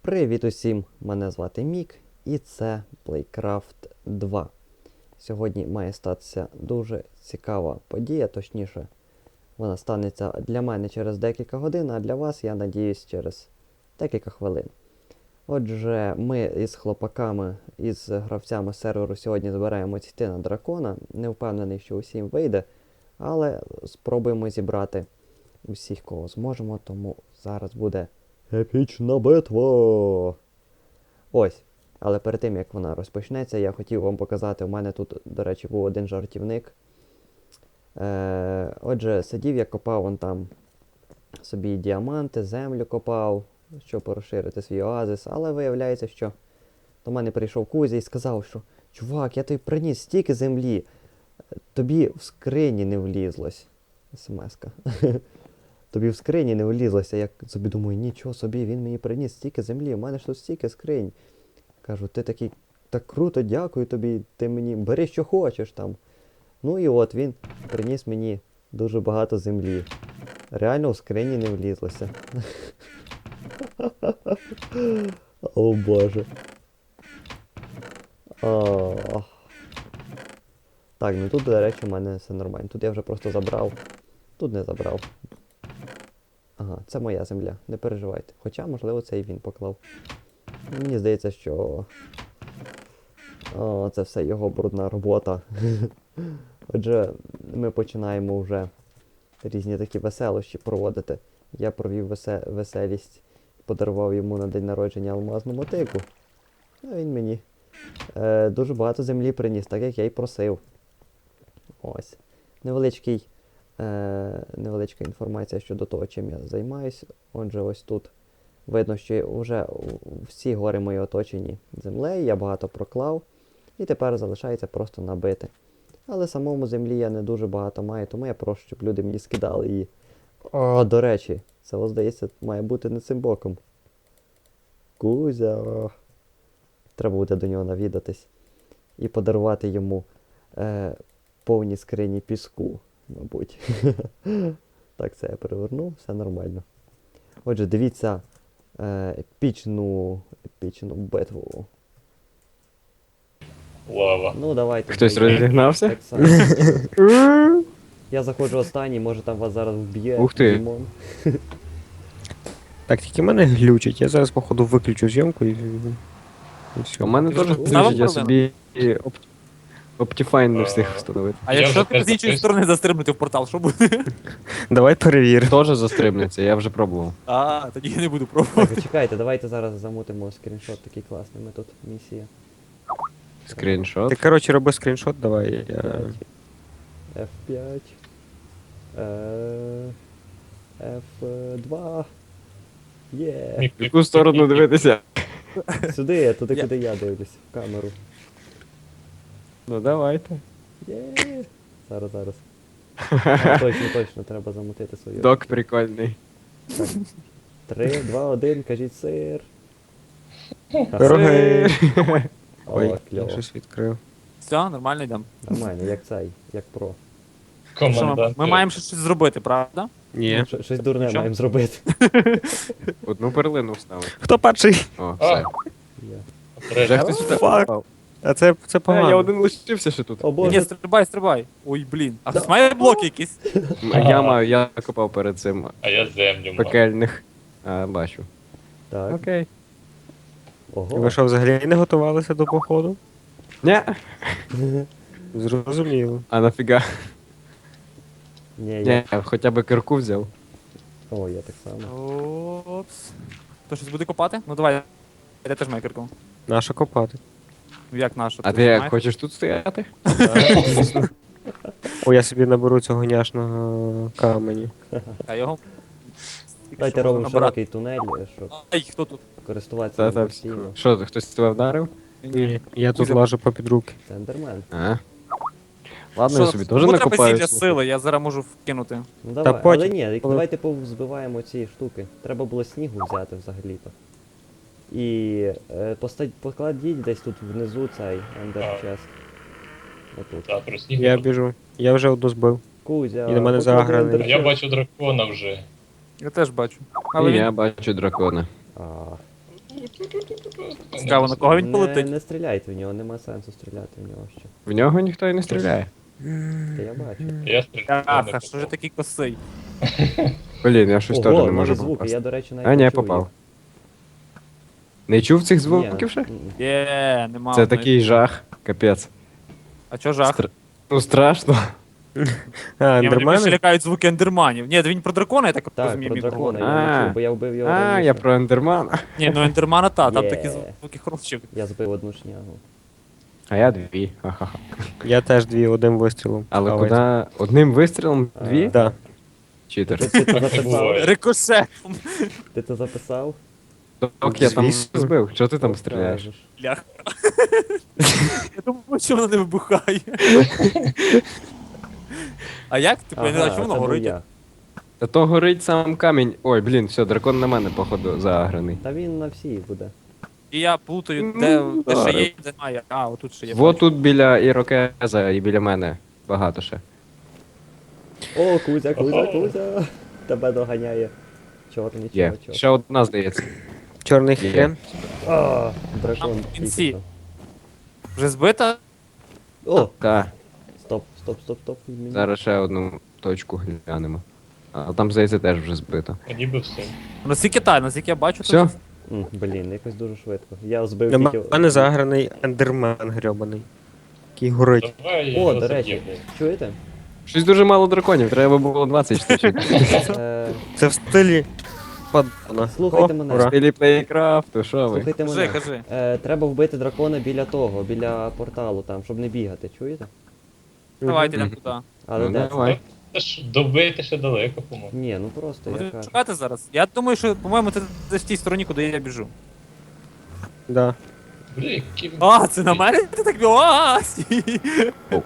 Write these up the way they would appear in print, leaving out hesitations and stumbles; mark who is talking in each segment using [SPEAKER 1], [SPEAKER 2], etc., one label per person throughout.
[SPEAKER 1] Привіт усім! Мене звати Мік, і це Playcraft 2. Сьогодні має статися дуже цікава подія, точніше, вона станеться для мене через декілька годин, а для вас, я надіюсь, через декілька хвилин. Отже, ми із хлопаками, із гравцями серверу сьогодні збираємо йти на дракона. Не впевнений, що усім вийде, але спробуємо зібрати усіх, кого зможемо, тому зараз буде епічна битва! Ось. Але перед тим, як вона розпочнеться, я хотів вам показати, у мене тут, до речі, був один жартівник. Отже, сидів я, копав вон там собі діаманти, землю копав, щоб розширити свій оазис, але виявляється, що до мене прийшов Кузя і сказав, що чувак, я тобі приніс стільки землі, тобі в скрині не влізлось. СМС-ка. Тобі в скрині не влізлося. Я собі думаю, нічого собі, він мені приніс стільки землі, у мене ж тут стільки скринь. Кажу, ти такий, так круто, дякую тобі, ти мені, бери що хочеш там. Ну і от він приніс мені дуже багато землі. Реально в скрині не влізлося. О боже. Так, ну тут, до речі, у мене все нормально. Тут я вже просто забрав. Тут не забрав. Ага, це моя земля, не переживайте. Хоча, можливо, це і він поклав. Мені здається, що це все його брудна робота. Отже, ми починаємо вже різні такі веселощі проводити. Я провів веселість, подарував йому на день народження алмазну мотику. А він мені дуже багато землі приніс, так як я й просив. Ось. Невеличка інформація щодо того, чим я займаюсь. Отже, ось тут видно, що вже всі гори мої оточені землею, я багато проклав. І тепер залишається просто набити. Але самому землі я не дуже багато маю, тому я прошу, щоб люди мені скидали її. О, до речі, це, здається, має бути не цим боком. Кузя. Треба буде до нього навідатись. І подарувати йому повні скрині піску, мабуть. Так, це я переверну, все нормально. Отже, дивіться епічну битву.
[SPEAKER 2] Лава.
[SPEAKER 1] Ну, давайте.
[SPEAKER 3] Хтось розігнався?
[SPEAKER 1] Так само. Я заходжу останній, може там вас зараз вб'є.
[SPEAKER 3] Ух ти.
[SPEAKER 1] Дімон.
[SPEAKER 4] Так, тільки мене глючить. Я зараз, походу, виключу зйомку і все.
[SPEAKER 3] У мене теж
[SPEAKER 2] Ставив
[SPEAKER 3] я собі Optifine не встиг встановити.
[SPEAKER 5] А
[SPEAKER 2] Я
[SPEAKER 5] якщо
[SPEAKER 2] вже
[SPEAKER 5] ти з іншої
[SPEAKER 2] запис-
[SPEAKER 5] сторони застрибнути в портал, що буде?
[SPEAKER 4] Давай перевір.
[SPEAKER 3] Теж застрибнеться, я вже пробував.
[SPEAKER 5] А, тоді я не буду пробувати.
[SPEAKER 1] Так, чекайте, давайте зараз замутимо скріншот такий класний. Ми тут місія.
[SPEAKER 3] Скріншот.
[SPEAKER 4] Ти, коротше, роби скріншот, давай. Я...
[SPEAKER 1] F5. F2. Є.
[SPEAKER 3] В яку сторону дивитися?
[SPEAKER 1] Сюди, туди, куди я дивлюсь, в камеру.
[SPEAKER 3] Ну давайте.
[SPEAKER 1] Є. Зараз. Точно, треба замутити свою.
[SPEAKER 3] Док прикольний.
[SPEAKER 1] 3, 2, 1, кажіть сир.
[SPEAKER 4] Пироги.
[SPEAKER 1] О,
[SPEAKER 4] Ой, я
[SPEAKER 1] кльово.
[SPEAKER 4] щось відкрив.
[SPEAKER 5] Все, нормально йдемо.
[SPEAKER 1] Нормально, як цей, як про.
[SPEAKER 5] Що
[SPEAKER 2] Комендант.
[SPEAKER 5] ми маємо щось зробити, правда?
[SPEAKER 4] Ні.
[SPEAKER 1] Щось дурне
[SPEAKER 5] Що?
[SPEAKER 1] маємо зробити.
[SPEAKER 3] Одну перлину вставив.
[SPEAKER 4] Хто перший?
[SPEAKER 3] О, все.
[SPEAKER 1] Є.
[SPEAKER 3] Вже хтось сюди
[SPEAKER 4] Фак.
[SPEAKER 3] попав.
[SPEAKER 4] А це погано.
[SPEAKER 3] Я один лишився ще тут.
[SPEAKER 1] О
[SPEAKER 5] Ні,
[SPEAKER 1] боже,
[SPEAKER 5] стрибай. Ой, блін. А хтось має блоки якісь?
[SPEAKER 3] Я копав перед цим
[SPEAKER 2] А я землю мав.
[SPEAKER 3] пекельних. Бачу.
[SPEAKER 1] так,
[SPEAKER 3] Окей.
[SPEAKER 1] ого.
[SPEAKER 4] Ви що, взагалі не готувалися до походу?
[SPEAKER 3] Ні.
[SPEAKER 4] Зрозуміло.
[SPEAKER 3] А нафіга?
[SPEAKER 1] Ні, я.
[SPEAKER 3] Ні, хоча б кирку взяв.
[SPEAKER 1] О, я так само.
[SPEAKER 5] Опс. То щось буде копати? Ну давай. Я теж маю кирку.
[SPEAKER 4] Наша копати.
[SPEAKER 5] Ну як наша?
[SPEAKER 3] А ти як, хочеш тут стояти?
[SPEAKER 4] О, я собі наберу цього няшного камені.
[SPEAKER 5] А його?
[SPEAKER 1] Давайте робимо широкий тунель, щоб
[SPEAKER 5] Ай, хто тут?
[SPEAKER 1] користуватися
[SPEAKER 3] Та-та,
[SPEAKER 1] ним постійно.
[SPEAKER 3] Що, хтось тебе вдарив?
[SPEAKER 4] Ні, я тут лажу попід руки.
[SPEAKER 1] Це ендермен.
[SPEAKER 3] Ладно, я собі теж
[SPEAKER 5] Кому треба
[SPEAKER 3] накопаю.
[SPEAKER 5] зілля сили, я зараз можу вкинути.
[SPEAKER 1] Ну давай,
[SPEAKER 4] потім,
[SPEAKER 1] але ні,
[SPEAKER 4] коли-
[SPEAKER 1] давайте повзбиваємо ці штуки. Треба було снігу взяти взагалі-то. І покладіть десь тут внизу цей ендер чест. Отут.
[SPEAKER 2] Так, про сніг.
[SPEAKER 4] Я біжу. Я вже одну збив.
[SPEAKER 1] Кузя,
[SPEAKER 4] І на мене
[SPEAKER 1] поклади
[SPEAKER 4] заграний.
[SPEAKER 1] ендер
[SPEAKER 2] А я
[SPEAKER 1] chest.
[SPEAKER 2] бачу дракона вже.
[SPEAKER 5] Я теж бачу.
[SPEAKER 3] І
[SPEAKER 5] Але
[SPEAKER 3] я
[SPEAKER 5] він...
[SPEAKER 3] бачу дракона.
[SPEAKER 1] А,
[SPEAKER 5] Цікаво, на кого він
[SPEAKER 1] Не,
[SPEAKER 5] полетить?
[SPEAKER 1] не стріляйте в нього, нема сенсу стріляти в нього ще.
[SPEAKER 3] В нього ніхто і не стріляє.
[SPEAKER 1] Та я бачу.
[SPEAKER 2] Я стріляю.
[SPEAKER 5] Аха, що ж такий косий?
[SPEAKER 3] Блін, я щось теж
[SPEAKER 1] Ого,
[SPEAKER 3] не можу
[SPEAKER 1] нові звуки,
[SPEAKER 3] попасти.
[SPEAKER 1] я, до речі, навіть
[SPEAKER 3] А, ні,
[SPEAKER 1] не чую
[SPEAKER 3] попав.
[SPEAKER 1] їх.
[SPEAKER 3] Не чув цих
[SPEAKER 1] Ні,
[SPEAKER 3] звуків ще?
[SPEAKER 1] м-м.
[SPEAKER 5] Нема.
[SPEAKER 3] Це
[SPEAKER 5] одної.
[SPEAKER 3] такий жах, капець.
[SPEAKER 5] А чо жах?
[SPEAKER 3] Ну страшно.
[SPEAKER 4] А,
[SPEAKER 5] Ні, мене більше
[SPEAKER 4] ендермени?
[SPEAKER 5] лякають звуки ендерманів. Ні, він про дракона, я так
[SPEAKER 1] Так,
[SPEAKER 5] розумію,
[SPEAKER 1] про
[SPEAKER 5] міг
[SPEAKER 1] дракона
[SPEAKER 5] говорити.
[SPEAKER 1] я не
[SPEAKER 3] А.
[SPEAKER 1] чув, бо я вбив його
[SPEAKER 3] А,
[SPEAKER 1] раніше.
[SPEAKER 3] я про ендермана.
[SPEAKER 5] Ні, ну ендермана та, там
[SPEAKER 1] Є.
[SPEAKER 5] такі звуки хороші.
[SPEAKER 1] Я збив одну шнягу.
[SPEAKER 3] А я дві. Ха-ха-ха.
[SPEAKER 4] Я теж дві одним вистрілом.
[SPEAKER 3] Але
[SPEAKER 4] Ой,
[SPEAKER 3] куди? Одним вистрілом дві?
[SPEAKER 4] Да.
[SPEAKER 3] Читер.
[SPEAKER 1] Ти це
[SPEAKER 2] Так і
[SPEAKER 1] записав?
[SPEAKER 2] буває.
[SPEAKER 5] Рикошетом.
[SPEAKER 1] Ти це записав?
[SPEAKER 3] Так, я там
[SPEAKER 4] Звісно.
[SPEAKER 3] збив. Що ти там стріляєш?
[SPEAKER 1] Покажеш.
[SPEAKER 5] Ляха. Я думаю, що вона не вибухає. А як? Типу, я не знаю,
[SPEAKER 1] Ага,
[SPEAKER 5] чому
[SPEAKER 1] це
[SPEAKER 5] воно
[SPEAKER 1] був
[SPEAKER 5] горить?
[SPEAKER 1] я.
[SPEAKER 3] Та то горить сам камінь. Ой, блін, все, дракон на мене, походу, заагрений.
[SPEAKER 1] Та він на всій буде.
[SPEAKER 5] І я плутаю,
[SPEAKER 3] Ну,
[SPEAKER 5] де ще
[SPEAKER 3] добре.
[SPEAKER 5] є, де немає. А, отут ще є.
[SPEAKER 3] Во
[SPEAKER 5] бачу.
[SPEAKER 3] тут біля Ірокеза і біля мене. Багато ще.
[SPEAKER 1] О, Кузя, Кузя, Кузя! Тебе доганяє. Чорний,
[SPEAKER 3] Є.
[SPEAKER 1] чого.
[SPEAKER 3] Ще одна, здається.
[SPEAKER 4] Чорний
[SPEAKER 3] Є.
[SPEAKER 4] хрен.
[SPEAKER 1] А, дракон.
[SPEAKER 5] Там в кінці.
[SPEAKER 1] тільки
[SPEAKER 5] Вже збита?
[SPEAKER 1] що. О,
[SPEAKER 3] Так,
[SPEAKER 1] стоп, стоп, стоп, стоп. Мені-
[SPEAKER 3] зараз ще одну точку глянемо. А там, здається, теж вже збито.
[SPEAKER 2] А ніби все.
[SPEAKER 5] Наскільки та, наскільки я бачу,
[SPEAKER 3] Все?
[SPEAKER 1] Блін, якось дуже швидко. Я збив
[SPEAKER 4] Для
[SPEAKER 1] тільки...
[SPEAKER 4] мене заграний ендермен грьобаний. Який горить.
[SPEAKER 2] Давай
[SPEAKER 1] О,
[SPEAKER 2] його
[SPEAKER 1] до речі,
[SPEAKER 2] заб'ємо.
[SPEAKER 1] чуєте?
[SPEAKER 3] Щось дуже мало драконів, треба було 20 штучок.
[SPEAKER 4] Це в стилі падона.
[SPEAKER 1] Слухайте мене.
[SPEAKER 4] ура.
[SPEAKER 3] Стилі плейкрафту, що ви?
[SPEAKER 1] Слухайте
[SPEAKER 5] Кажи,
[SPEAKER 1] мене.
[SPEAKER 5] кажи.
[SPEAKER 1] Треба вбити дракона біля того, біля порталу там, щоб не бігати, чуєте?
[SPEAKER 5] Давайте йдемо
[SPEAKER 3] Мгм.
[SPEAKER 5] туди.
[SPEAKER 1] Але
[SPEAKER 3] Ну,
[SPEAKER 1] де це?
[SPEAKER 3] давай.
[SPEAKER 2] Та ж добити ще далеко, по-моєму.
[SPEAKER 1] Ні, ну просто я
[SPEAKER 5] Будемо
[SPEAKER 1] кажу.
[SPEAKER 5] шукати зараз. Я думаю, що, по-моєму, це десь в тій стороні, куди я біжу.
[SPEAKER 4] Да.
[SPEAKER 2] Бля, які...
[SPEAKER 5] А, це на мене? Ти так а, стій.
[SPEAKER 3] О.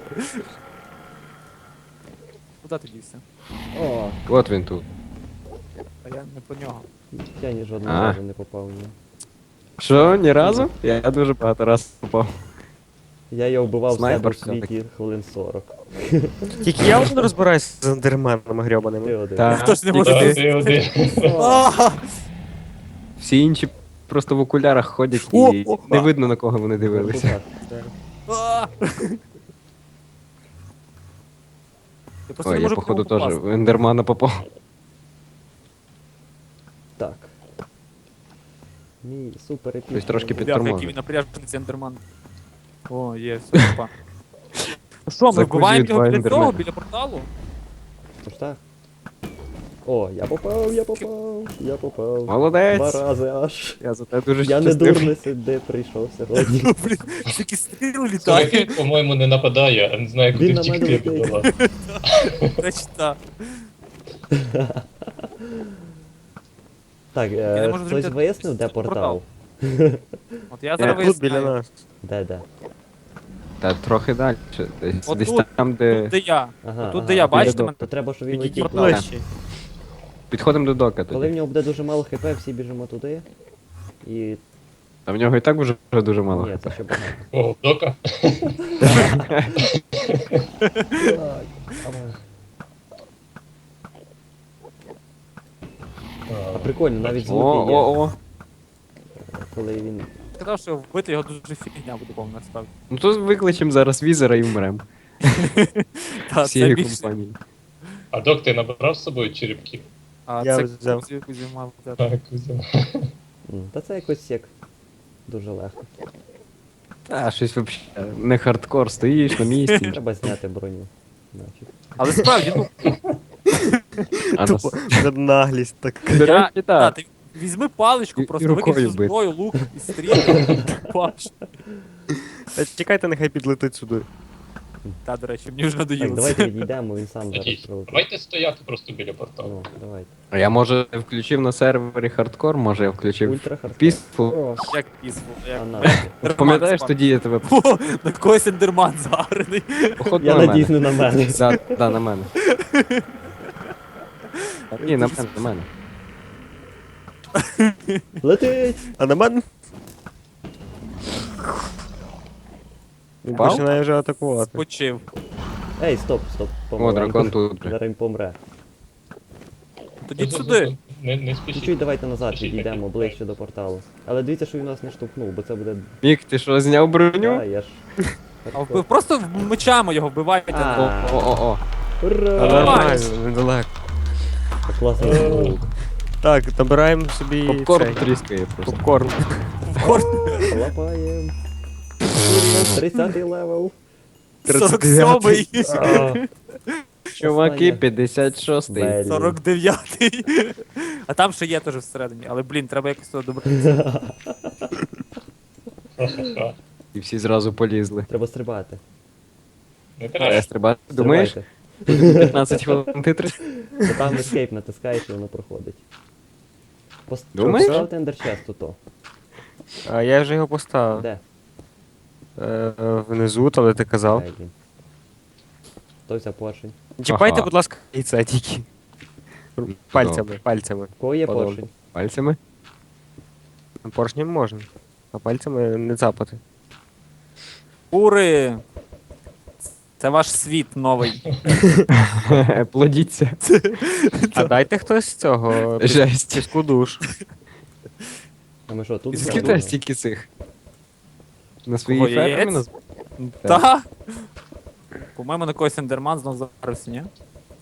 [SPEAKER 5] Куди ти дівся?
[SPEAKER 1] О,
[SPEAKER 3] От він тут.
[SPEAKER 5] А я не по нього.
[SPEAKER 1] я ні жодного
[SPEAKER 3] А.
[SPEAKER 1] разу не попав в нього.
[SPEAKER 3] Що, ні разу? Я дуже багато раз попав.
[SPEAKER 1] Я його вбивав в себе
[SPEAKER 3] Снайпер
[SPEAKER 1] в світі хвилин 40.
[SPEAKER 4] Тільки я один розбираюсь з ендерменами
[SPEAKER 1] Ти
[SPEAKER 4] грьобаними.
[SPEAKER 1] один.
[SPEAKER 3] Так.
[SPEAKER 5] Хто ж не може
[SPEAKER 2] Та,
[SPEAKER 5] ти?
[SPEAKER 2] ти один.
[SPEAKER 5] А!
[SPEAKER 3] Всі інші просто в окулярах ходять
[SPEAKER 4] О,
[SPEAKER 3] і
[SPEAKER 4] о,
[SPEAKER 3] не
[SPEAKER 4] а.
[SPEAKER 3] видно на кого вони дивилися.
[SPEAKER 5] А! Я просто не
[SPEAKER 3] Ой, я
[SPEAKER 5] можу
[SPEAKER 3] походу
[SPEAKER 5] по ньому
[SPEAKER 3] теж
[SPEAKER 5] попасти.
[SPEAKER 3] в ендермана попав.
[SPEAKER 1] Так. Мій супер епічний.
[SPEAKER 3] Ось трошки
[SPEAKER 5] Бляха,
[SPEAKER 3] підтормозив.
[SPEAKER 5] який він напряжений цей ендерман. О, є, все, опа. Ну що, ми
[SPEAKER 3] Закузюють
[SPEAKER 5] вбиваємо його
[SPEAKER 3] два
[SPEAKER 5] біля
[SPEAKER 3] ендермена.
[SPEAKER 5] цього, біля порталу?
[SPEAKER 1] Тож так. О, я попав, я попав, я попав. 2
[SPEAKER 3] Молодець!
[SPEAKER 1] рази аж.
[SPEAKER 3] Я за те дуже
[SPEAKER 1] Я не
[SPEAKER 3] щасливий.
[SPEAKER 1] дурний сюди прийшов сьогодні.
[SPEAKER 5] Ну, блін, такі стріли
[SPEAKER 2] Слухай,
[SPEAKER 5] літають.
[SPEAKER 2] він, по-моєму, не нападає, а не знає,
[SPEAKER 1] Він
[SPEAKER 2] куди
[SPEAKER 1] на мене
[SPEAKER 2] втікти
[SPEAKER 1] летить.
[SPEAKER 2] була.
[SPEAKER 5] Речі, та.
[SPEAKER 1] Так,
[SPEAKER 5] Я не можу
[SPEAKER 1] хтось
[SPEAKER 5] зрозуміти,
[SPEAKER 1] вияснив, де
[SPEAKER 5] що це
[SPEAKER 1] портал?
[SPEAKER 5] От я зараз
[SPEAKER 4] Тут біля
[SPEAKER 5] виясняю.
[SPEAKER 4] нас.
[SPEAKER 1] Де?
[SPEAKER 3] Та трохи далі. Десь,
[SPEAKER 5] От
[SPEAKER 3] десь
[SPEAKER 5] тут,
[SPEAKER 3] там, де.
[SPEAKER 5] Тут де я.
[SPEAKER 1] Ага,
[SPEAKER 5] Тут де я, бачите
[SPEAKER 3] біля
[SPEAKER 5] мене?
[SPEAKER 1] То треба, щоб він
[SPEAKER 3] Підійдіть
[SPEAKER 1] летів.
[SPEAKER 3] ближче.
[SPEAKER 1] туди.
[SPEAKER 4] Ближче.
[SPEAKER 3] Підходимо до дока
[SPEAKER 1] Коли в
[SPEAKER 3] тоді.
[SPEAKER 1] нього буде дуже мало хп, всі біжимо туди. І...
[SPEAKER 3] А в нього і так вже дуже мало.
[SPEAKER 1] Ні,
[SPEAKER 3] хп.
[SPEAKER 1] це ще багато.
[SPEAKER 2] О, дока.
[SPEAKER 1] Так, давай. А прикольно, навіть звуки є,
[SPEAKER 3] О.
[SPEAKER 1] коли він...
[SPEAKER 5] Сказав, що вбити його дуже фігня буде повна насправді.
[SPEAKER 3] Ну то викличемо зараз візера і вмремо.
[SPEAKER 5] Та, це
[SPEAKER 3] Всією
[SPEAKER 5] більше.
[SPEAKER 3] компанією.
[SPEAKER 2] А док, ти набрав з собою черепків?
[SPEAKER 5] А
[SPEAKER 4] Я
[SPEAKER 5] це
[SPEAKER 4] взяв.
[SPEAKER 5] Кузя мав взяти.
[SPEAKER 2] Так, взяв.
[SPEAKER 1] Та це якось як дуже легко.
[SPEAKER 3] Та, щось взагалі не хардкор, стоїш на місці.
[SPEAKER 1] Треба зняти броню. Значить.
[SPEAKER 5] Але справді, ну,
[SPEAKER 3] А нас...
[SPEAKER 4] Це наглість так.
[SPEAKER 3] До
[SPEAKER 5] я,
[SPEAKER 3] речі,
[SPEAKER 5] та,
[SPEAKER 3] так.
[SPEAKER 5] ти візьми паличку,
[SPEAKER 3] І
[SPEAKER 5] просто
[SPEAKER 3] рукою
[SPEAKER 5] викинь всю
[SPEAKER 3] бити.
[SPEAKER 5] зброю, лук і стріли. Паш.
[SPEAKER 4] Та чекайте, нехай підлетить сюди.
[SPEAKER 5] Та, до речі, мені вже
[SPEAKER 1] Так,
[SPEAKER 5] надоїло.
[SPEAKER 1] давайте відійдемо, він сам зараз
[SPEAKER 2] Тоді,
[SPEAKER 1] прилетить.
[SPEAKER 2] давайте стояти просто біля порталу.
[SPEAKER 1] Ну, давайте.
[SPEAKER 3] А я може включив на сервері хардкор, може я включив
[SPEAKER 1] Ультра хардкор.
[SPEAKER 3] пісню.
[SPEAKER 1] О,
[SPEAKER 5] Як пізву, як
[SPEAKER 1] а на.
[SPEAKER 5] Ендерман
[SPEAKER 3] Пам'ятаєш,
[SPEAKER 5] спав.
[SPEAKER 3] тоді я тебе
[SPEAKER 5] О, на когось ендерман загрений.
[SPEAKER 3] походу
[SPEAKER 1] Я
[SPEAKER 3] на
[SPEAKER 1] надіюсь,
[SPEAKER 3] мене.
[SPEAKER 1] не на мене.
[SPEAKER 3] Да, на мене. Ні, на мене.
[SPEAKER 1] Летить!
[SPEAKER 4] А на мене? Він
[SPEAKER 3] Впав?
[SPEAKER 4] починає вже атакувати.
[SPEAKER 5] Почив.
[SPEAKER 1] Ей, стоп,
[SPEAKER 3] О,
[SPEAKER 1] помаленьку.
[SPEAKER 3] дракон тут.
[SPEAKER 1] Зараз він помре.
[SPEAKER 5] Тоді сюди.
[SPEAKER 2] Не спішіть.
[SPEAKER 1] Чуть-чуть давайте назад
[SPEAKER 2] Спішіть,
[SPEAKER 1] відійдемо
[SPEAKER 2] так.
[SPEAKER 1] ближче до порталу. Але дивіться, що він нас не штовхнув, бо це буде.
[SPEAKER 3] Мік, ти що, зняв броню?
[SPEAKER 1] А, я ж.
[SPEAKER 5] А просто мечами його вбивайте.
[SPEAKER 1] А.
[SPEAKER 3] О.
[SPEAKER 4] Та
[SPEAKER 1] Ура!
[SPEAKER 4] нормально, недалеко.
[SPEAKER 1] Класний звук.
[SPEAKER 4] Так, набираємо собі
[SPEAKER 3] Попкорн
[SPEAKER 4] цей,
[SPEAKER 3] тріскає просто.
[SPEAKER 4] попкорн.
[SPEAKER 1] Лапаєм. 30-й левел.
[SPEAKER 5] 47-й,
[SPEAKER 3] Чуваки,
[SPEAKER 1] Останнє.
[SPEAKER 3] 56-й.
[SPEAKER 1] Блін.
[SPEAKER 5] 49-й. А там ще є теж всередині. Але, блін, треба якось туди добратися.
[SPEAKER 2] Ха-ха-ха.
[SPEAKER 3] І всі зразу полізли.
[SPEAKER 1] Треба стрибати.
[SPEAKER 2] Не
[SPEAKER 3] А я
[SPEAKER 2] треба.
[SPEAKER 3] стрибати, думаєш?
[SPEAKER 1] Стрибайте.
[SPEAKER 3] 15 хвилин титри?
[SPEAKER 1] Бо там escape натискаєш і воно проходить.
[SPEAKER 3] Думаєш?
[SPEAKER 1] Поставте ендерчест то.
[SPEAKER 4] А я вже його поставив.
[SPEAKER 1] Де?
[SPEAKER 4] Внизу, але ти казав.
[SPEAKER 1] Ай, блін. Той взяв поршень.
[SPEAKER 4] Чіпайте,
[SPEAKER 3] Ага.
[SPEAKER 4] будь ласка, яйця тільки. Пальцями.
[SPEAKER 1] У кого є
[SPEAKER 4] Подобно.
[SPEAKER 1] поршень?
[SPEAKER 3] Пальцями?
[SPEAKER 4] Поршнем можна. А пальцями не цапати.
[SPEAKER 5] Кури! Це ваш світ новий.
[SPEAKER 3] Плодіться.
[SPEAKER 4] А дайте хтось цього
[SPEAKER 3] Жесть.
[SPEAKER 4] піску душ.
[SPEAKER 1] А ми що, тут?
[SPEAKER 3] Скільки
[SPEAKER 1] зробимо?
[SPEAKER 3] тебе стільки цих? На своїй
[SPEAKER 5] Кого,
[SPEAKER 3] фермі
[SPEAKER 5] яєць?
[SPEAKER 3] нас...
[SPEAKER 5] Та? По-моєму, на когось ендерман знов зарився, ні?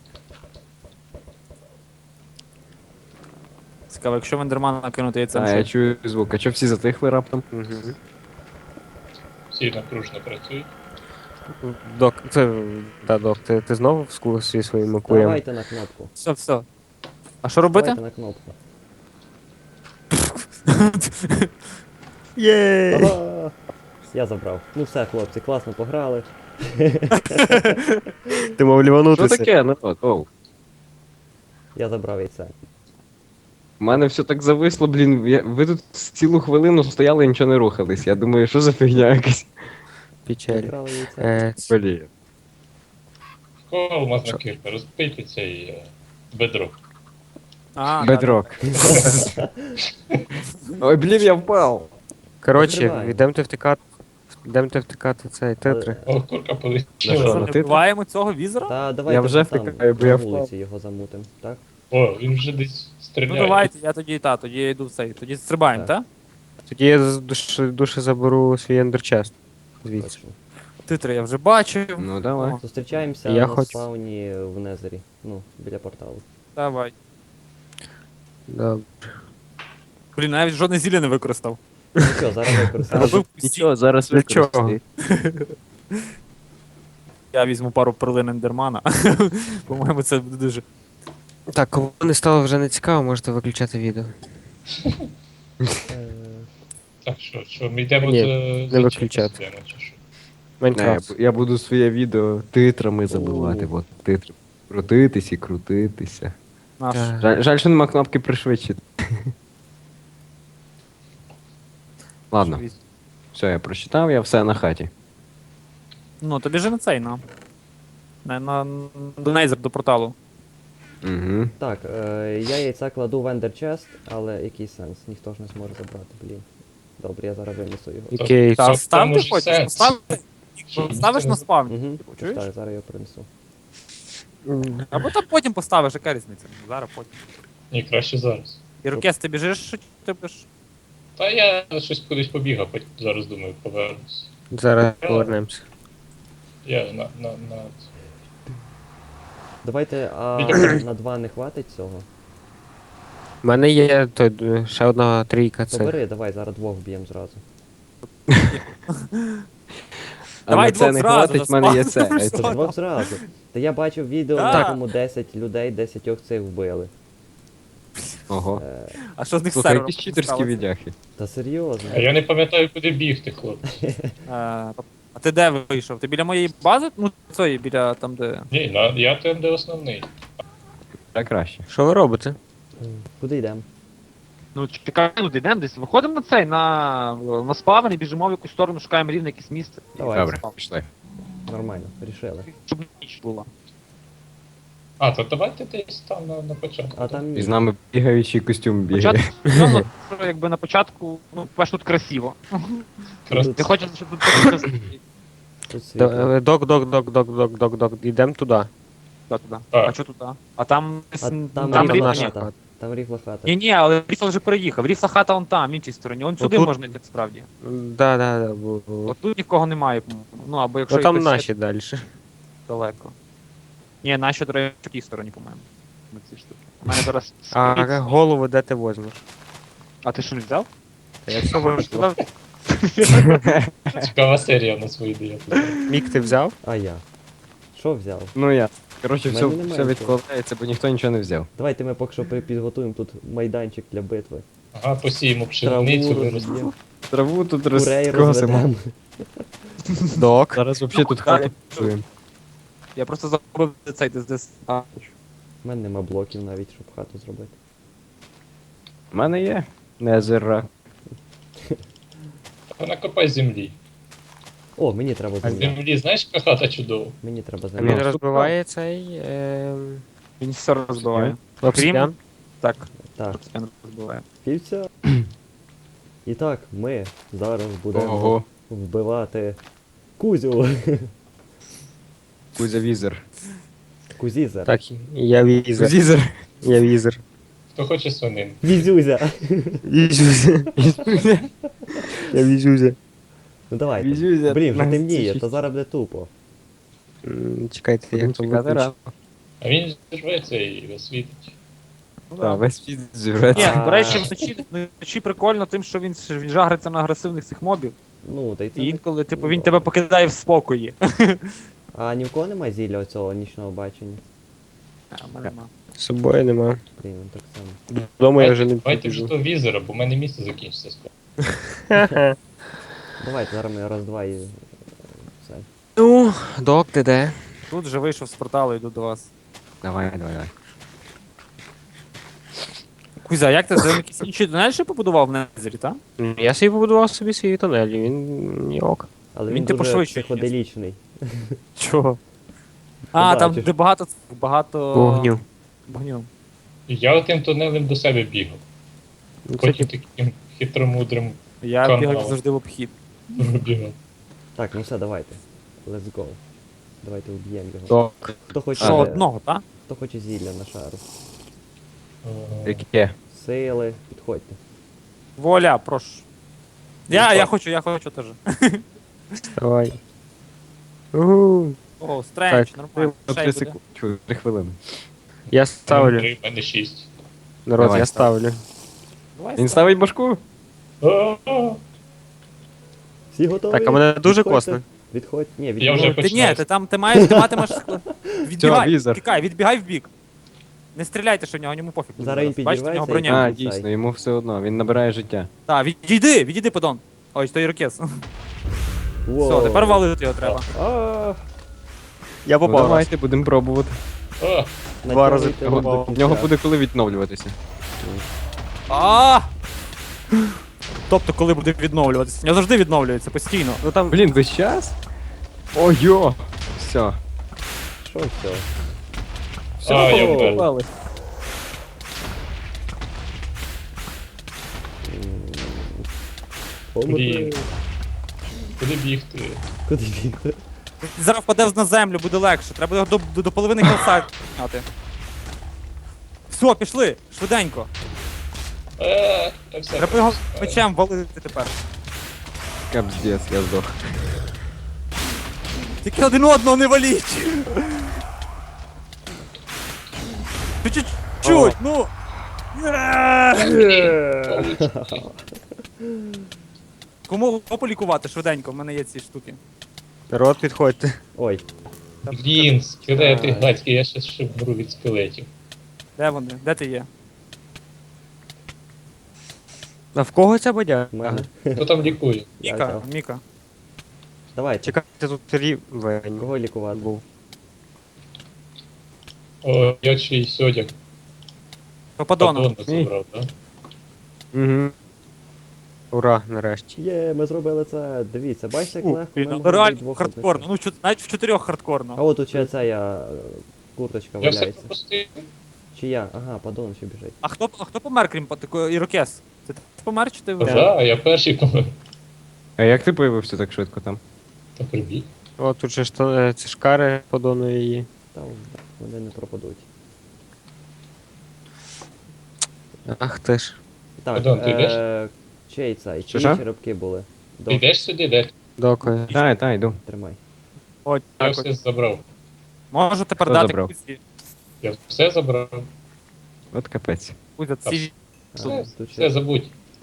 [SPEAKER 5] Цікаво, якщо в ендермана накинути яйцем,
[SPEAKER 3] А, я
[SPEAKER 5] що?
[SPEAKER 3] чую звук. А чо всі затихли раптом?
[SPEAKER 4] Угу.
[SPEAKER 2] Всі напружно працюють.
[SPEAKER 4] Док, це. Да, док, ти знову в скурсі своїм куєм?
[SPEAKER 1] Давайте на кнопку.
[SPEAKER 5] Все. А що робити?
[SPEAKER 1] Давайте на кнопку.
[SPEAKER 4] Єй!
[SPEAKER 1] Ага! Я забрав. Ну все, хлопці, класно пограли.
[SPEAKER 4] Ти мав
[SPEAKER 3] Що
[SPEAKER 4] ліванутися.
[SPEAKER 3] таке, народ? Оу.
[SPEAKER 1] Я забрав яйце.
[SPEAKER 3] У мене все так зависло, блін. Ви тут цілу хвилину стояли і нічого не рухались. Я думаю, що за фігня якась.
[SPEAKER 4] Печаль.
[SPEAKER 1] Забрали яйце.
[SPEAKER 3] Блін.
[SPEAKER 2] Кого алмазна кірка? Розбийте цей бедро.
[SPEAKER 5] А,
[SPEAKER 3] Бедрок. Ой, блін, я впав.
[SPEAKER 4] Коротше,
[SPEAKER 1] Закриваємо.
[SPEAKER 4] йдемте втикати цей титри.
[SPEAKER 2] О, курка
[SPEAKER 3] На
[SPEAKER 2] полетіла.
[SPEAKER 3] що?
[SPEAKER 5] Що,
[SPEAKER 3] на
[SPEAKER 5] не
[SPEAKER 3] титри?
[SPEAKER 5] вбиваємо цього візера?
[SPEAKER 1] Та давайте
[SPEAKER 3] Я вже
[SPEAKER 1] там
[SPEAKER 3] втикаю, бо
[SPEAKER 1] на
[SPEAKER 3] я
[SPEAKER 1] вулиці
[SPEAKER 3] впав.
[SPEAKER 1] його замутим, так?
[SPEAKER 2] О, він вже десь
[SPEAKER 5] Ну
[SPEAKER 2] стріляє.
[SPEAKER 5] давайте, я тоді я йду в цей. Тоді стрибаємо,
[SPEAKER 1] Так.
[SPEAKER 5] так?
[SPEAKER 4] Тоді я з душі заберу свій ендерчест. Звідси.
[SPEAKER 1] Точно.
[SPEAKER 5] Титри я вже бачив.
[SPEAKER 3] Ну давай.
[SPEAKER 5] О,
[SPEAKER 1] Зустрічаємося
[SPEAKER 4] Я
[SPEAKER 1] на
[SPEAKER 4] хочу.
[SPEAKER 1] спауні в Незері. Ну, біля порталу.
[SPEAKER 5] Давай.
[SPEAKER 4] Добре.
[SPEAKER 5] Блін, навіть жодне зілля не використав.
[SPEAKER 1] Ну що, зараз використаємо.
[SPEAKER 5] Робив всі.
[SPEAKER 3] Нічого, зараз
[SPEAKER 4] Для чого?
[SPEAKER 3] використати.
[SPEAKER 5] Я візьму пару перлин ендермана. По-моєму, це буде дуже.
[SPEAKER 4] Так, коли не стало вже не цікаво, можете виключати відео.
[SPEAKER 2] Так, що, ми йдемо
[SPEAKER 4] Ні,
[SPEAKER 2] за
[SPEAKER 4] виключати.
[SPEAKER 2] чим постійно, чи що?
[SPEAKER 3] Не,
[SPEAKER 4] Майнкрафт.
[SPEAKER 3] я буду своє відео титрами забивати. От, титри. Крутитись і крутитися.
[SPEAKER 5] Наш.
[SPEAKER 4] Так.
[SPEAKER 3] Жаль, що нема кнопки пришвидшити. Ладно, все, я прочитав, я все на хаті.
[SPEAKER 5] Ну, тобі же на цей, на до Нейзер, до порталу.
[SPEAKER 3] Угу.
[SPEAKER 1] Так, я яйця кладу в Ender Chest, але який сенс? Ніхто ж не зможе забрати, блін. Добре, я зараз винесу його.
[SPEAKER 4] Окей.
[SPEAKER 5] Та
[SPEAKER 2] Це
[SPEAKER 5] став
[SPEAKER 2] тому
[SPEAKER 5] ти
[SPEAKER 2] ж
[SPEAKER 5] хочеш?
[SPEAKER 2] сенс.
[SPEAKER 5] Ставиш на спавні.
[SPEAKER 1] Угу.
[SPEAKER 5] Чуєш?
[SPEAKER 1] Так, зараз його принесу.
[SPEAKER 5] Або там потім поставиш, яка різниця? Зараз потім.
[SPEAKER 2] Ні, краще зараз.
[SPEAKER 5] Ірокез, ти біжиш, чи ти будеш?
[SPEAKER 2] Та я щось кудись побігав, потім зараз думаю, повернусь.
[SPEAKER 4] Зараз повернемося.
[SPEAKER 2] Я на
[SPEAKER 1] Давайте, а
[SPEAKER 2] Біля-
[SPEAKER 1] на 2 не хватить цього.
[SPEAKER 4] У мене є ще одна трійка
[SPEAKER 1] То
[SPEAKER 4] цих.
[SPEAKER 1] бери, давай, зараз 2 вб'ємо зразу.
[SPEAKER 3] А
[SPEAKER 5] Давай
[SPEAKER 3] на це
[SPEAKER 5] двох
[SPEAKER 3] не
[SPEAKER 5] зразу,
[SPEAKER 3] хватить, в мене є це.
[SPEAKER 1] Та 2 зразу. Та я бачив відео,
[SPEAKER 5] Так.
[SPEAKER 1] на якому 10 людей, 10 цих вбили.
[SPEAKER 3] Ого.
[SPEAKER 5] А що з них
[SPEAKER 3] Слухай,
[SPEAKER 5] сервером
[SPEAKER 3] якісь читерські
[SPEAKER 5] сталося?
[SPEAKER 3] відяхи.
[SPEAKER 1] Та серйозно.
[SPEAKER 2] А я не пам'ятаю, куди бігти, хлопці.
[SPEAKER 5] А ти де вийшов? Ти біля моєї бази? Ну, цієї, біля там, де.
[SPEAKER 2] Ні, я там, де основний.
[SPEAKER 3] Так краще.
[SPEAKER 4] Що ви робите?
[SPEAKER 1] Куди йдемо?
[SPEAKER 6] Ну, чекай, ну йдемо десь. Виходимо на цей, на спавн і біжимо в якусь сторону, шукаємо рівне якесь місце.
[SPEAKER 1] Давай,
[SPEAKER 3] Добре, пішли.
[SPEAKER 1] нормально, рішили.
[SPEAKER 6] Щоб ніч була.
[SPEAKER 2] А, то давайте десь там на початку.
[SPEAKER 1] А там
[SPEAKER 3] І з нами бігаючий костюм бігає.
[SPEAKER 6] Початку, ну, що якби на початку, ну, перш тут красиво.
[SPEAKER 2] Крас-
[SPEAKER 6] Ти хочеш, щоб тут було красиво.
[SPEAKER 1] тут світло.
[SPEAKER 4] Док, ідемо туди.
[SPEAKER 6] Туди.
[SPEAKER 2] А.
[SPEAKER 6] А що туди? А там
[SPEAKER 1] А там
[SPEAKER 6] там
[SPEAKER 1] рівна
[SPEAKER 6] рівні.
[SPEAKER 1] хата. Там ріфла хата.
[SPEAKER 5] Ні, але Ріфл вже переїхав. Ріфла хата вон там, в іншій стороні. Вон сюди
[SPEAKER 4] Отут?
[SPEAKER 5] можна йти справді.
[SPEAKER 4] Да.
[SPEAKER 5] От тут нікого немає, по-моєму. Ну або якщо
[SPEAKER 4] Ну там
[SPEAKER 5] якось
[SPEAKER 4] наші далі.
[SPEAKER 5] далеко. Ні, наші, до речі, в такій стороні, по-моєму.
[SPEAKER 6] На ці штуки. У мене зараз.
[SPEAKER 4] А голову де ти возьмеш?
[SPEAKER 6] А ти що не взяв?
[SPEAKER 4] Та я все вийшло.
[SPEAKER 2] Цікава серія на свої ідеї.
[SPEAKER 4] Мік ти взяв?
[SPEAKER 1] А я. Що взяв?
[SPEAKER 3] Ну я. Коротше,
[SPEAKER 1] В
[SPEAKER 3] все,
[SPEAKER 1] мене немає
[SPEAKER 3] все
[SPEAKER 1] нічого.
[SPEAKER 3] відкладається, бо ніхто нічого не взяв.
[SPEAKER 1] Давайте ми поки що підготуємо тут майданчик для битви.
[SPEAKER 2] Ага, посіємо
[SPEAKER 1] Траву
[SPEAKER 2] пшеницю,
[SPEAKER 1] розб'ємо,
[SPEAKER 3] Траву тут
[SPEAKER 1] курей
[SPEAKER 3] розкосимо.
[SPEAKER 1] розведемо.
[SPEAKER 4] Док.
[SPEAKER 3] Зараз взагалі тут хату будуємо.
[SPEAKER 5] Я просто забув цей десь.
[SPEAKER 1] У мене нема блоків навіть, щоб хату зробити.
[SPEAKER 3] У мене є незера.
[SPEAKER 2] накопай землі.
[SPEAKER 1] О, мені треба
[SPEAKER 2] А
[SPEAKER 1] земля.
[SPEAKER 2] землі, знаєш, яка хата чудова?
[SPEAKER 1] Мені треба
[SPEAKER 4] А він
[SPEAKER 1] земля.
[SPEAKER 4] розбиває цей
[SPEAKER 5] Він все розбиває.
[SPEAKER 4] обсидіан.
[SPEAKER 5] Так,
[SPEAKER 1] Так,
[SPEAKER 5] він розбиває.
[SPEAKER 1] півця. І так, ми зараз будемо
[SPEAKER 3] Ого.
[SPEAKER 1] вбивати Кузю.
[SPEAKER 3] Кузя візер.
[SPEAKER 1] Кузізер.
[SPEAKER 4] Так, я візер.
[SPEAKER 3] Кузізер.
[SPEAKER 4] Я візер.
[SPEAKER 2] Хто хоче свинин?
[SPEAKER 1] Візюзя.
[SPEAKER 4] Візюзя. Я візюзя.
[SPEAKER 1] Ну давайте.
[SPEAKER 3] Візюзя.
[SPEAKER 1] Блін, вже
[SPEAKER 3] Нас
[SPEAKER 1] темніє,
[SPEAKER 3] тішить.
[SPEAKER 1] то зараз буде тупо.
[SPEAKER 4] Чекайте, як то
[SPEAKER 3] Чекати
[SPEAKER 4] виключити.
[SPEAKER 3] рано.
[SPEAKER 2] А він зірветься і освітить.
[SPEAKER 3] Так, весь світ зірветься.
[SPEAKER 5] Ні, до речі, вночі прикольно тим, що він жагриться на агресивних цих мобів.
[SPEAKER 1] Ну, та й це.
[SPEAKER 5] І інколи, типу, він тебе покидає в спокої.
[SPEAKER 1] А ні в кого немає зілля оцього нічного бачення?
[SPEAKER 5] А, в мене нема.
[SPEAKER 4] З собою нема.
[SPEAKER 1] Блін, він так само.
[SPEAKER 4] Вдома я вже не
[SPEAKER 2] Давайте вже
[SPEAKER 4] піду.
[SPEAKER 2] того візера, бо в мене місце закінчиться скоро.
[SPEAKER 1] Давайте зараз ми раз-два і. Все.
[SPEAKER 4] Ну, док, ти де?
[SPEAKER 5] Тут вже вийшов з порталу, йду до вас.
[SPEAKER 3] Давай.
[SPEAKER 5] Кузя, як ти за якісь інші тунелі побудував в Незері, так?
[SPEAKER 4] Я собі побудував собі свій тунель, і він не ок.
[SPEAKER 1] Але
[SPEAKER 5] Він
[SPEAKER 1] він
[SPEAKER 5] типу
[SPEAKER 1] дуже
[SPEAKER 5] швидше
[SPEAKER 1] психоделічний.
[SPEAKER 4] Чого?
[SPEAKER 5] А, там
[SPEAKER 1] Побачиш.
[SPEAKER 5] де багато.
[SPEAKER 4] Вогню.
[SPEAKER 5] Вогню.
[SPEAKER 2] І я отим тунелем до себе бігав.
[SPEAKER 4] Ну, це
[SPEAKER 2] Потім
[SPEAKER 4] типу,
[SPEAKER 2] таким хитромудрим
[SPEAKER 5] Я
[SPEAKER 2] Канал.
[SPEAKER 5] бігав завжди в обхід.
[SPEAKER 2] бігав.
[SPEAKER 1] Так, ну все, давайте. Let's go. Давайте вб'ємо його.
[SPEAKER 3] Док.
[SPEAKER 1] Хто хоче,
[SPEAKER 5] Що, одного, так?
[SPEAKER 1] хто хоче зілля на шару?
[SPEAKER 3] Яке?
[SPEAKER 1] Сили, підходьте.
[SPEAKER 5] Воля, прошу. Я хочу теж.
[SPEAKER 4] давай. Угу.
[SPEAKER 5] О, стрендж,
[SPEAKER 4] Так.
[SPEAKER 5] нормально. Ще
[SPEAKER 3] 3
[SPEAKER 5] й буде.
[SPEAKER 3] секунди. Чую, 3 хвилини.
[SPEAKER 4] Я ставлю.
[SPEAKER 2] 3, в мене 6.
[SPEAKER 4] Народ,
[SPEAKER 3] Давай,
[SPEAKER 4] я ставлю.
[SPEAKER 5] Давай,
[SPEAKER 3] Він ставить башку?
[SPEAKER 1] Всі готові?
[SPEAKER 4] Так, а мене дуже
[SPEAKER 1] Підходьте.
[SPEAKER 4] косне.
[SPEAKER 1] Відходь. Ні,
[SPEAKER 2] Я
[SPEAKER 1] відходь.
[SPEAKER 2] вже
[SPEAKER 5] Ти ні,
[SPEAKER 2] починаю.
[SPEAKER 5] ти матимеш. Відбігай,
[SPEAKER 3] візер.
[SPEAKER 5] тікай, відбігай в бік. Не стріляйте, що в нього, йому пофіг. буде
[SPEAKER 1] Зараз він
[SPEAKER 5] Бачите, в нього
[SPEAKER 1] підірветься і-
[SPEAKER 5] броня.
[SPEAKER 3] А,
[SPEAKER 1] Цей.
[SPEAKER 3] дійсно, йому все одно, він набирає життя.
[SPEAKER 5] Так, відійди, подон. Ой, то ірокез.
[SPEAKER 1] Воу.
[SPEAKER 5] Все, тепер валити його треба.
[SPEAKER 1] А,
[SPEAKER 4] Я
[SPEAKER 3] Ну,
[SPEAKER 4] попав.
[SPEAKER 3] давайте, будемо пробувати.
[SPEAKER 2] О,
[SPEAKER 4] Два рази
[SPEAKER 1] натягуйте його до
[SPEAKER 3] В нього
[SPEAKER 1] кінця.
[SPEAKER 3] буде коли відновлюватися.
[SPEAKER 5] А! Тобто, коли буде відновлюватися? У нього завжди відновлюється постійно.
[SPEAKER 4] Ну там
[SPEAKER 3] Блін, весь час? Ой-йо! Все.
[SPEAKER 1] Що все?
[SPEAKER 2] а, я
[SPEAKER 1] О.
[SPEAKER 2] вмер.
[SPEAKER 3] Попали.
[SPEAKER 2] Блін. Куди бігти?
[SPEAKER 1] Куди бігти?
[SPEAKER 5] Зараз впаде на землю, буде легше. Треба його до половини кілса підняти. Все, пішли, швиденько.
[SPEAKER 2] Та все.
[SPEAKER 5] Треба його мечем валити тепер.
[SPEAKER 3] Капздец, я здох.
[SPEAKER 5] Тільки один одного не валіть. Ти чуть-чуть, ну. Кому полікувати швиденько, в мене є ці штуки.
[SPEAKER 4] народ, підходьте.
[SPEAKER 1] Ой,
[SPEAKER 2] Блін, скелети гадські, я ще шибру від скелетів.
[SPEAKER 5] Де вони? Де ти є?
[SPEAKER 4] А в кого ця бодя?
[SPEAKER 1] в мене.
[SPEAKER 2] Хто там лікує?
[SPEAKER 1] Я
[SPEAKER 5] Міка,
[SPEAKER 1] взяв.
[SPEAKER 5] Міка.
[SPEAKER 1] Давайте.
[SPEAKER 4] Чекайте, тут рівень.
[SPEAKER 1] Кого лікувати?
[SPEAKER 4] був.
[SPEAKER 2] О, я чийсь одяг.
[SPEAKER 5] Попадоном.
[SPEAKER 2] Падона забрав, так?
[SPEAKER 3] Угу.
[SPEAKER 4] Ура, нарешті.
[SPEAKER 1] Є, ми зробили це. Дивіться, бачите, як
[SPEAKER 5] Фу,
[SPEAKER 1] легко. в мене
[SPEAKER 5] ну,
[SPEAKER 1] буде
[SPEAKER 5] реально
[SPEAKER 1] двох
[SPEAKER 5] хардкорно.
[SPEAKER 1] одних.
[SPEAKER 5] Ну, навіть в 4
[SPEAKER 1] А
[SPEAKER 5] хардкорно.
[SPEAKER 1] от тут ще ця курточка
[SPEAKER 2] Я все
[SPEAKER 1] валяється.
[SPEAKER 2] пропустив.
[SPEAKER 1] Чи я? Ага, падон ще біжить.
[SPEAKER 5] А хто помер, крім такого ірокез? Це ти помер чи ти
[SPEAKER 2] Так, я перший помер.
[SPEAKER 3] А як ти появився так швидко там?
[SPEAKER 2] Та прибіг.
[SPEAKER 4] О, тут же ці шкари подону її.
[SPEAKER 1] Та вони не пропадуть.
[SPEAKER 4] Ах ти ж.
[SPEAKER 1] Так,
[SPEAKER 2] Падон, ти йдеш?
[SPEAKER 1] чий цей?
[SPEAKER 3] Що,
[SPEAKER 1] Чиї
[SPEAKER 3] що?
[SPEAKER 1] черепки були?
[SPEAKER 2] Ти йдеш сюди, де?
[SPEAKER 4] Дякую.
[SPEAKER 3] Та, йду.
[SPEAKER 1] Тримай.
[SPEAKER 5] Ой,
[SPEAKER 2] Я
[SPEAKER 5] так
[SPEAKER 2] все
[SPEAKER 5] ось.
[SPEAKER 2] забрав.
[SPEAKER 5] Можу тепер
[SPEAKER 3] Хто
[SPEAKER 5] дати
[SPEAKER 3] забрав?
[SPEAKER 5] Кузі.
[SPEAKER 2] Я все забрав.
[SPEAKER 3] От капець.
[SPEAKER 5] Кузя, ці...
[SPEAKER 2] Все,
[SPEAKER 1] Тут
[SPEAKER 2] все
[SPEAKER 1] ще-
[SPEAKER 2] забудь.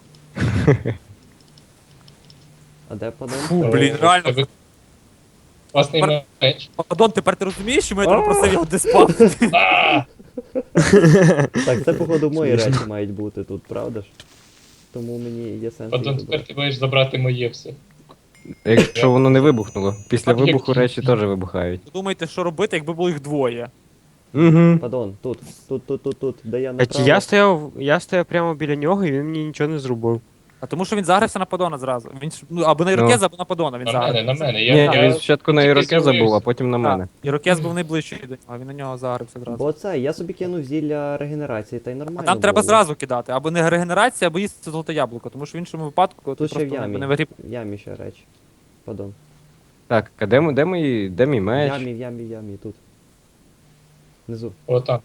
[SPEAKER 1] А де падон?
[SPEAKER 5] Фу, блін, реально.
[SPEAKER 2] Тебе класний меч.
[SPEAKER 5] Падон, тепер ти розумієш, що я тебе просив його диспавнити?
[SPEAKER 2] А!
[SPEAKER 1] Так, це походу мої речі мають бути тут, правда ж? Тому мені є сенс.
[SPEAKER 2] Падон,
[SPEAKER 1] їх
[SPEAKER 2] тепер
[SPEAKER 1] забрати.
[SPEAKER 2] ти маєш забрати моє все.
[SPEAKER 3] Якщо воно не вибухнуло. Після
[SPEAKER 2] Так, як-
[SPEAKER 3] вибуху речі теж вибухають.
[SPEAKER 5] Думаєте, що робити, якби було їх двоє?
[SPEAKER 3] Угу.
[SPEAKER 1] Падон, тут, де я
[SPEAKER 4] А
[SPEAKER 1] направо.
[SPEAKER 4] я стояв прямо біля нього, і він мені нічого не зробив.
[SPEAKER 5] А тому що він загрився на Падона зразу. Він ж- ну, або на Ірокеза, або на Падона він
[SPEAKER 2] На мене,
[SPEAKER 5] загрився.
[SPEAKER 2] на мене.
[SPEAKER 3] Ні,
[SPEAKER 2] Я
[SPEAKER 3] він спочатку на
[SPEAKER 2] тільки
[SPEAKER 3] Ірокеза був, а
[SPEAKER 2] з'явився.
[SPEAKER 3] потім на мене.
[SPEAKER 5] Ірокез був найближчий до нього, а він на нього загрився зразу.
[SPEAKER 1] Бо це, я собі кинув зілля регенерації, та й
[SPEAKER 5] А
[SPEAKER 1] нормально.
[SPEAKER 5] там треба
[SPEAKER 1] було.
[SPEAKER 5] зразу кидати, або не регенерація, або їсти золоте яблуко, тому що в іншому випадку
[SPEAKER 1] Тут ще в
[SPEAKER 5] просто
[SPEAKER 1] ямі.
[SPEAKER 5] не вигріб.
[SPEAKER 1] В ямі ще речі. Падон.
[SPEAKER 3] Так, а де мій
[SPEAKER 1] В
[SPEAKER 3] меч?
[SPEAKER 1] ямі, тут. Внизу.
[SPEAKER 2] О, там.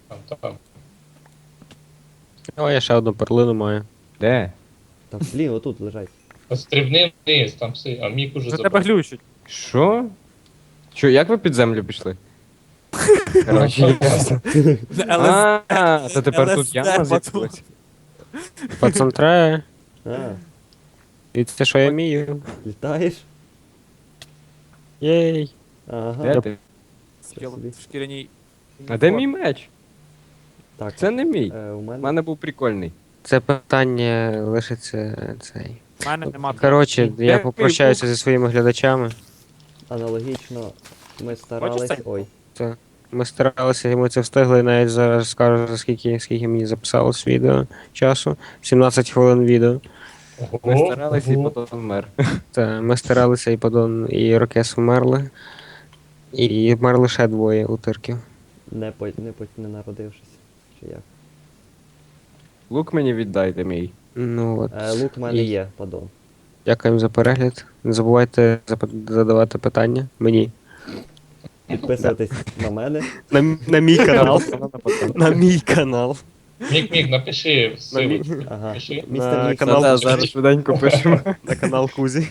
[SPEAKER 4] О, я ще одну перлину маю.
[SPEAKER 3] Де?
[SPEAKER 1] Там, блін, отут лежать.
[SPEAKER 2] Стрибни вниз, там все. А мік уже
[SPEAKER 5] За тебе
[SPEAKER 2] забрав.
[SPEAKER 5] глючить.
[SPEAKER 3] Що? Що, як ви під землю пішли? Коротше, ясно. А, то тепер тут яма з'явилась.
[SPEAKER 4] Пацан треба.
[SPEAKER 1] А,
[SPEAKER 4] І це що я вмію.
[SPEAKER 1] літаєш?
[SPEAKER 4] Єй.
[SPEAKER 1] Ага.
[SPEAKER 3] Де ти?
[SPEAKER 5] Скіл
[SPEAKER 1] собі.
[SPEAKER 5] в шкіряній.
[SPEAKER 3] А де мій меч?
[SPEAKER 1] Так,
[SPEAKER 3] Це не мій.
[SPEAKER 1] у
[SPEAKER 3] У
[SPEAKER 1] мене.
[SPEAKER 3] мене був прикольний.
[SPEAKER 4] Це питання лишиться цей.
[SPEAKER 5] У мене нема.
[SPEAKER 4] Коротше,
[SPEAKER 3] Де
[SPEAKER 4] я
[SPEAKER 3] мій
[SPEAKER 4] попрощаюся зі своїми глядачами.
[SPEAKER 1] Аналогічно ми старались.
[SPEAKER 5] цей?
[SPEAKER 1] Ой.
[SPEAKER 4] Ми старалися, і ми це встигли, і навіть зараз скажу, за скільки мені записалось відео часу. 17 хвилин відео.
[SPEAKER 3] Ми старалися і потім вмер.
[SPEAKER 4] Та, ми старалися, і Падон, і Рокес вмерли. І вмерли ще двоє утирків.
[SPEAKER 1] Не народившись. Чи як?
[SPEAKER 3] Лук мені віддайте мій.
[SPEAKER 4] Ну от.
[SPEAKER 1] Лук в мене
[SPEAKER 4] І-
[SPEAKER 1] є, падон.
[SPEAKER 4] Дякуємо за перегляд. Не забувайте задавати питання мені.
[SPEAKER 1] Підписуйтесь на мене.
[SPEAKER 4] На мій канал. На мій канал.
[SPEAKER 2] Мік, напиши силу.
[SPEAKER 1] Ага.
[SPEAKER 2] Пиши.
[SPEAKER 1] Містер
[SPEAKER 4] На
[SPEAKER 1] Мікс.
[SPEAKER 4] канал-
[SPEAKER 3] Та, зараз швиденько пишемо.
[SPEAKER 4] На канал Кузі.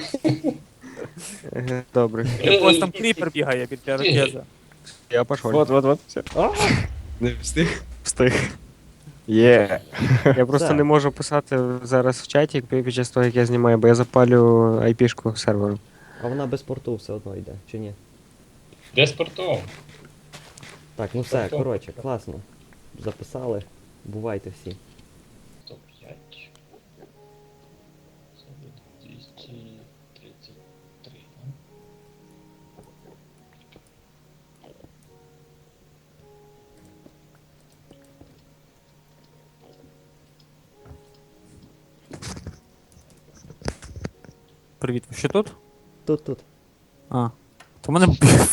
[SPEAKER 4] Добре.
[SPEAKER 5] Ось там кріпер бігає біля Ірокеза.
[SPEAKER 4] Я пошов.
[SPEAKER 3] Вот. Все. Не встиг.
[SPEAKER 4] Встиг.
[SPEAKER 3] Є.
[SPEAKER 4] Я просто
[SPEAKER 1] Так.
[SPEAKER 4] не можу писати зараз в чаті під час того, як я знімаю, бо я запалю IP-шку серверу.
[SPEAKER 1] А вона без порту все одно йде, чи ні?
[SPEAKER 2] Де спортом?
[SPEAKER 1] Так, ну все,
[SPEAKER 2] Портом.
[SPEAKER 1] коротше, класно. Записали. Бувайте всі.
[SPEAKER 2] 105. Це буде 233. да?
[SPEAKER 5] Привіт, ви ще тут?
[SPEAKER 1] Тут.
[SPEAKER 5] А. То мене.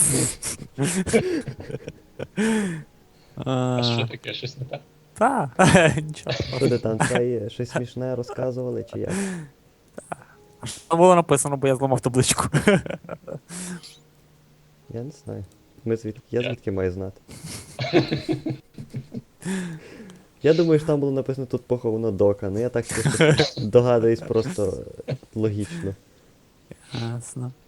[SPEAKER 2] А що таке? Щось не так?
[SPEAKER 5] Та, нічого.
[SPEAKER 1] Що ти там цей щось смішне розказували, чи як?
[SPEAKER 5] А що було написано, бо я зламав табличку.
[SPEAKER 1] Я не знаю. Я звідки маю знати? Я думаю, що там було написано тут поховано дока, ну я так щось догадуюсь просто логічно.
[SPEAKER 5] Ясно.